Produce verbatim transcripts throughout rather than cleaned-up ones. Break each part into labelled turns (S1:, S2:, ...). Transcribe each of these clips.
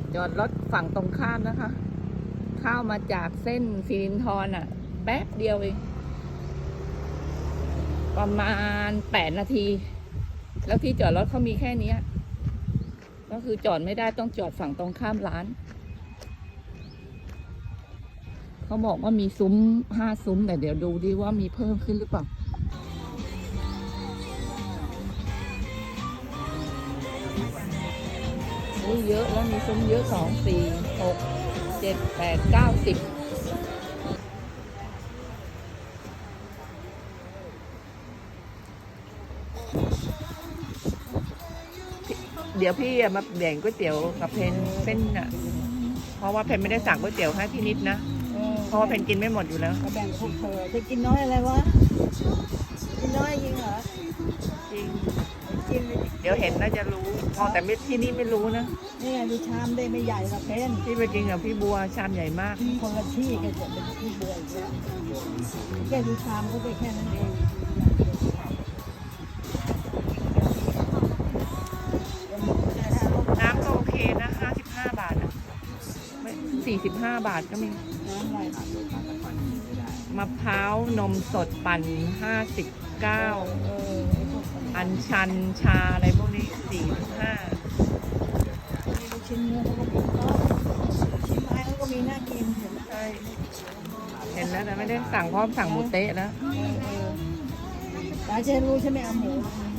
S1: จอดรถฝั่งตรงข้ามนะคะเข้ามาจากเส้นสิรินธรอ่ะแป๊บเดียวเองประมาณแปดนาทีแล้วที่จอดรถเขามีแค่นี้ก็คือจอดไม่ได้ต้องจอดฝั่งตรงข้ามร้านเขาบอกว่ามีซุ้มห้าซุ้มแต่เดี๋ยวดูดิว่ามีเพิ่มขึ้นหรือเปล่าเยอะแล้วมีซุ้มเยอะสองสี่หกเจ็ดแปดเก้าสิบเดี๋ยวพี่มาแบ่งก๋วยเตี๋ยวกับเพนเส้นอ่ะเพราะว่าเพนไม่ได้สั่งก๋วยเตี๋ยวให้พี่นิดนะเพราะว่าเพนกินไม่หมดอยู่แล้ว
S2: แบ่งพวกเธอจะกินน้อยอะไรวะกินน้อยจริงเหรอ
S1: จริง
S2: กิน
S1: เดี๋ยวเห็นน่าจะรู้พอแต่ไม่ที่นี่ไม่รู้นะ
S2: นี่ไงดูชามได้ไม่ใหญ่หรอกเพน
S1: ที่ไปกินกับพี่บัวชามใหญ่มาก
S2: คนละที่แกจะเป็นพี่บัวอีกแล้วแกดูชามก็ไปแค่นั้นเอง
S1: น้ำก็โอเคนะห้าสิบห้าบาทนะสี่สิบห้าบาทก็มี
S2: น้ำอะไร
S1: มะพร้าวนมสดปั่นห้าสิบเก้าอัญชันชาอะไรพวกนี้สี่สิบห้า
S2: ชิ้นเนื้อเขาก็ชิ้นไม้เขาก็มีน่ากินเห็น
S1: ใช่เห็นแล้วแต่ไม่ได้สั่งเพราะสั่งหมูเต๊ะแล้ว
S2: ตาเจรู้ใช่ไหมเอาหมู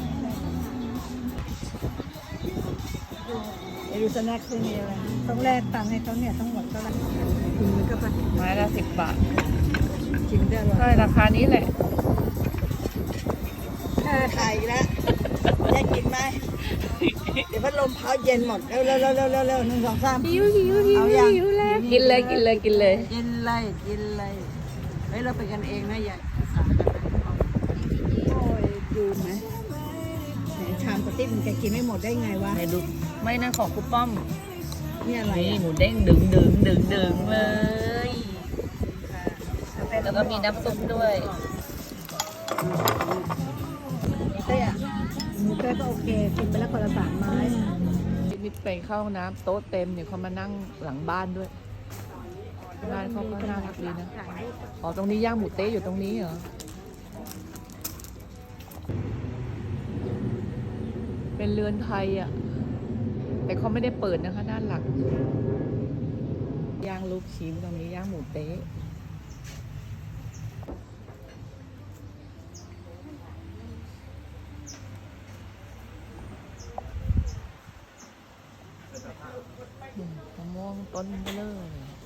S2: ไอ้ดูสแน็คคือมีอะไรต้องแลกตังค์ให้เขาเนี่ยทั้งหมดก็ละกินมันก็ไป
S1: ไม้ละสิบบาท
S2: กินได้หรอ
S1: ใช่ราคานี้แหละ
S2: ถ้าไทยแล้วจะกินไหมเดี๋ยวพัดลมเผาเย็นหมดเร็วเร็วเร็วเร็วเร็วหนึ่งสองสาม
S1: หิวหิวหิวหิวแล้วกินเลยกินเลยกินเลย
S2: กินเลยกินเลยเฮ้ยเราไปกันเองนะอย่าโอ้ยดูไหมชามกระติบมันจะกินไม่หมดได้ไงวะ
S1: ไหนดูไม่นะของคุณป้อม
S2: นี่อะไร
S1: หมูเด้งดึงดึงดึงดึงเลยแล้วก็มีน้ำซุปด้วย
S2: เต้อะหมูเต้ก็โอเคกินไปแล้วคนละสามไม้
S1: นี่ไปเข้าน้ำโต๊ะเต็มเนี่ยเขามานั่งหลังบ้านด้วยบ้านเขาก็น่ารักดีนะอ๋อตรงนี้ย่างหมูเต๊ะอยู่ตรงนี้เหรอเป็นเรือนไทยอ่ะแต่เขาไม่ได้เปิดนะคะด้านหลังย่างลูกชิ้นตรงนี้ย่างหมูเต๊ะมะม่วงต้นเบลอเลย